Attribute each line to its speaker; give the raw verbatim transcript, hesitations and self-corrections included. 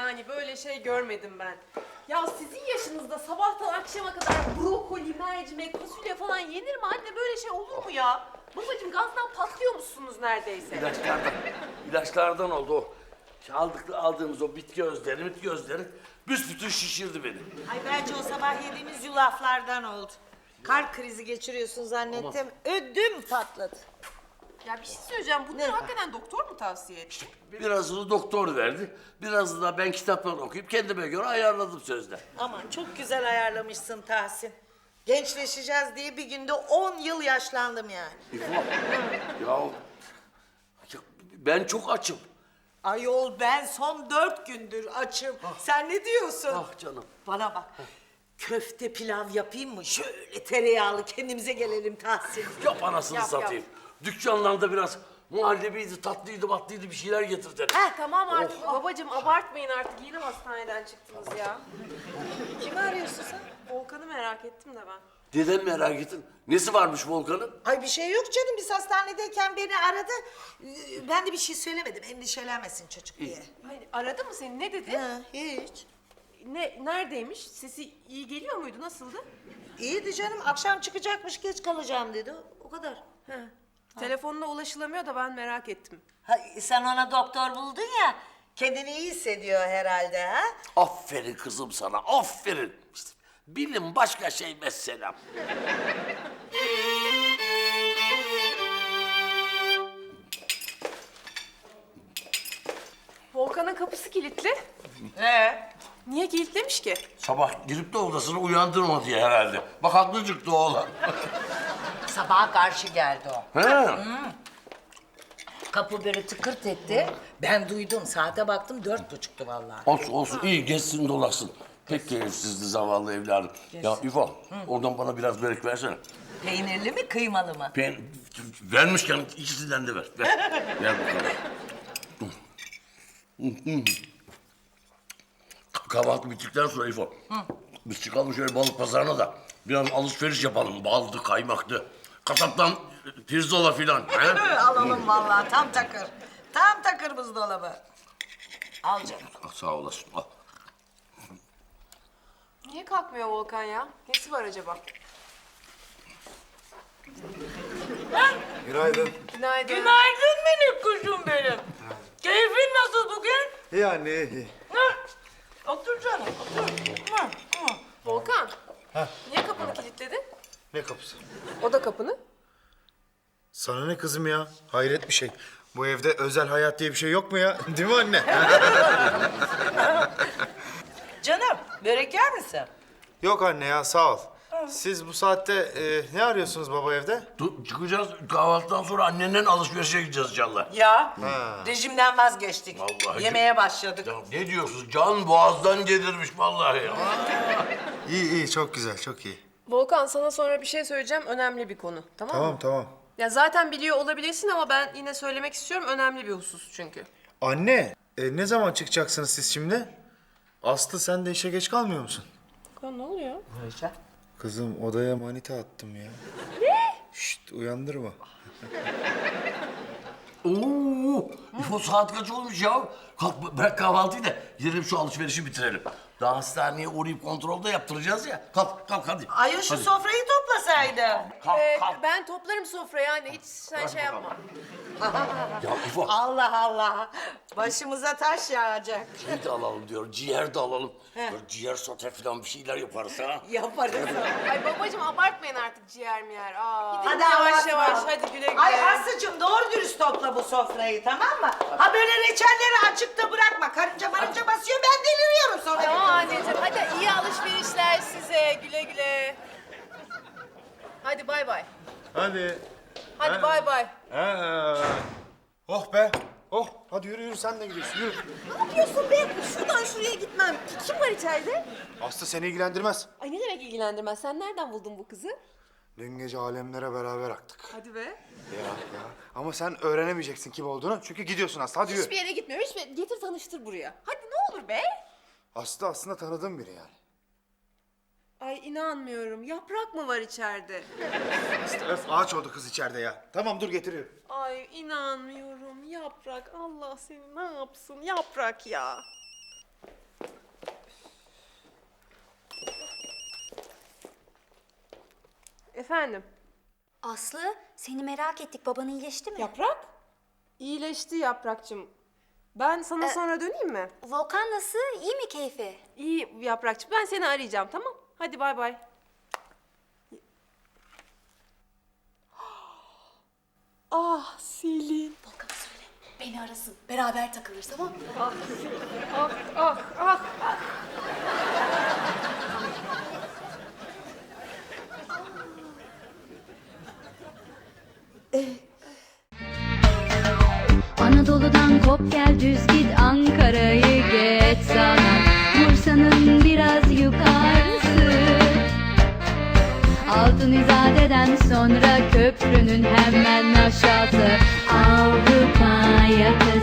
Speaker 1: yani böyle şey görmedim ben. Ya sizin yaşınızda sabahtan akşama kadar brokoli, mercimek, fasulye falan yenir mi anne? Böyle şey olur mu ya? Babacığım gazdan patlıyor musunuz neredeyse?
Speaker 2: İlaçlardan, ilaçlardan oldu o. Aldık, aldığımız o bitki özleri, bitki özleri büsbütün şişirdi beni.
Speaker 3: Ay bence o sabah yediğimiz yulaflardan oldu. Kalp krizi geçiriyorsun zannettim. Ödüm patladı.
Speaker 1: Ya bir şey söyleyeceğim. Bunları hakikaten doktor mu tavsiye etti?
Speaker 2: Birazını doktor verdi, birazını da ben kitaptan okuyup kendime göre ayarladım sözde.
Speaker 3: Aman çok güzel ayarlamışsın Tahsin. Gençleşeceğiz diye bir günde on yıl yaşlandım yani.
Speaker 2: İfo, ya, ya ben çok açım.
Speaker 3: Ayol ben son dört gündür açım. Sen ne diyorsun?
Speaker 2: Ah canım.
Speaker 3: Bana bak. Köfte pilav yapayım mı? Şöyle tereyağlı kendimize gelelim Tahsin.
Speaker 2: Yap anasını
Speaker 1: Yap,
Speaker 2: satayım. Dükkanlarda biraz muhallebiydi, tatlıydı, batlıydı bir şeyler getir derim.
Speaker 1: Heh, tamam artık babacığım abartmayın artık. Yeni hastaneden çıktınız ya.
Speaker 3: Kimi arıyorsun sen?
Speaker 1: Volkan'ı merak ettim de ben.
Speaker 2: Dedem merak ettin. Nesi varmış Volkan'ın?
Speaker 3: Ay bir şey yok canım. Biz hastanedeyken beni aradı. Ee, Ben de bir şey söylemedim. Endişelenmesin çocuk diye.
Speaker 1: Hayır, aradı mı seni? Ne dedi?
Speaker 3: Ha, hiç.
Speaker 1: Ne, neredeymiş? Sesi iyi geliyor muydu? Nasıldı?
Speaker 3: İyiydi canım. Akşam çıkacakmış, geç kalacağım dedi. O kadar.
Speaker 1: He. Telefonuna ulaşılamıyor da ben merak ettim.
Speaker 3: Ha, sen ona doktor buldun ya. Kendini iyi hissediyor herhalde ha?
Speaker 2: Aferin kızım sana, aferin. İşte bilim başka şey mesela.
Speaker 1: Volkan'ın kapısı kilitli.
Speaker 3: He.
Speaker 1: Niye kilitlemiş ki?
Speaker 2: Sabah girip de odasını uyandırma diye herhalde. Bak haklı çıktı oğlan.
Speaker 3: Sabaha karşı geldi o.
Speaker 2: He.
Speaker 3: Kapı böyle tıkırt etti. Ben duydum. Saate baktım dört buçuktu vallahi.
Speaker 2: Olsun olsun iyi geçsin dolaşsın. Pek keyifsizdi zavallı evladım. Ya İfo oradan bana biraz börek versene.
Speaker 3: Peynirli mi kıymalı mı?
Speaker 2: Ben vermişken ikisinden de ver. Ver, ver bakalım. Kahvaltı bittikten sonra İfo. Biz çıkalım şöyle balık pazarına da biraz alışveriş yapalım. Baldı, kaymaktı. Kasaptan pirzola filan. he?
Speaker 3: Alalım vallahi tam takır. Tam takır buzdolabı. Al canım.
Speaker 2: Ah, sağ olasın. Al.
Speaker 1: Niye kalkmıyor Volkan ya? Nesi var acaba?
Speaker 4: Günaydın.
Speaker 1: Günaydın.
Speaker 3: Günaydın minik kuşum benim. Keyfin nasıl bugün?
Speaker 4: İyi anne, iyi.
Speaker 3: Otur canım, otur. Hı, hı.
Speaker 1: Volkan. Niye kapını kilitledin?
Speaker 4: Ne kapısı?
Speaker 1: O da kapını.
Speaker 4: Sana ne kızım ya? Hayret bir şey. Bu evde özel hayat diye bir şey yok mu ya? Değil mi anne?
Speaker 3: Canım, börek yer misin?
Speaker 4: Yok anne ya, sağ ol. Siz bu saatte e, ne arıyorsunuz baba evde?
Speaker 2: Dur, çıkacağız kahvaltıdan sonra annenden alışverişe gideceğiz inşallah.
Speaker 3: Ya, rejimden vazgeçtik.
Speaker 2: Vallahi
Speaker 3: Yemeğe başladık.
Speaker 2: Ya ne diyorsunuz? Can boğazdan gelirmiş vallahi.
Speaker 4: İyi iyi, çok güzel, çok iyi.
Speaker 1: Volkan sana sonra bir şey söyleyeceğim. Önemli bir konu. Tamam mı?
Speaker 4: Tamam tamam.
Speaker 1: Ya zaten biliyor olabilirsin ama ben yine söylemek istiyorum. Önemli bir husus çünkü.
Speaker 4: Anne, e, ne zaman çıkacaksınız siz şimdi? Aslı sen de işe geç kalmıyor musun?
Speaker 1: Ya ne oluyor?
Speaker 4: Kızım odaya manita attım ya. Ne? Şşt uyandırma.
Speaker 2: Oo, İfo saat kaç olmuş ya? Kalk bırak kahvaltıyı da gidelim şu alışverişi bitirelim. Daha hastaneye uğrayıp kontrolde yaptıracağız ya. Kalk kalk hadi.
Speaker 3: Ay şu
Speaker 2: Hadi.
Speaker 3: sofrayı toplasaydı.
Speaker 2: Kalk
Speaker 1: Ee,
Speaker 2: kalk.
Speaker 1: ben toplarım sofrayı anne. Hiç sen şey yapma.
Speaker 2: Ya İfo
Speaker 3: Allah Allah. Başımıza taş yağacak.
Speaker 2: şey de alalım diyor. Ciğer de alalım. Böyle ciğer sote falan bir şeyler yaparız ha.
Speaker 3: Yaparız.
Speaker 1: Ay babacığım abartmayın artık ciğer miyer. Aa.
Speaker 3: Hadi
Speaker 1: yavaş
Speaker 3: abartma.
Speaker 1: yavaş hadi güle güle.
Speaker 3: Ay Aslı'cığım doğru dürüst topla bu sofrayı tamam mı? Ha böyle reçelleri açıkta bırakma. Karınca marınca basıyor ben deliriyorum sonra.
Speaker 1: Tamam anneciğim hadi iyi alışverişler size. Güle güle. Hadi bay bay.
Speaker 4: Hadi.
Speaker 1: Hadi bay bay.
Speaker 4: Ha. Oh be. Oh hadi yürü yürü sen de gidiyorsun yürü.
Speaker 1: Ne yapıyorsun be? Şuradan şuraya gitmem. Kim var içeride?
Speaker 4: Aslı seni ilgilendirmez.
Speaker 1: Ay ne demek ilgilendirmez? Sen nereden buldun bu kızı?
Speaker 4: Dün gece alemlere beraber aktık.
Speaker 1: Hadi be.
Speaker 4: Ya ya. Ama sen öğrenemeyeceksin kim olduğunu çünkü gidiyorsun Aslı hadi yürü.
Speaker 1: Hiçbir yere gitmiyorum. Hiçbir yere... Getir tanıştır buraya. Hadi ne olur be.
Speaker 4: Aslı aslında tanıdığım biri yani.
Speaker 1: Ay inanmıyorum. Yaprak mı var içeride?
Speaker 4: Aslı öf ağaç oldu kız içeride ya. Tamam dur getiriyorum.
Speaker 1: Ay inanmıyorum. Yaprak. Allah seni ne yapsın? Yaprak ya. Efendim?
Speaker 5: Aslı, seni merak ettik. Baban iyileşti mi?
Speaker 1: Yaprak? İyileşti Yaprakçım. Ben sana
Speaker 5: Ee,
Speaker 1: sonra döneyim mi?
Speaker 5: Volkan nasıl? İyi mi keyfi?
Speaker 1: İyi Yaprakçım. Ben seni arayacağım, tamam? Hadi bay bay. Ah Selin.
Speaker 5: Volkan söyle. Beni arasın. Beraber takılırız, tamam mı?
Speaker 1: Ah ah ah.
Speaker 6: Anadolu'dan kop gel düz git Ankara'yı geç sana Bursa'nın biraz yukarısı Altın İzade'den sonra köprünün hemen aşağısı Avrupa yakası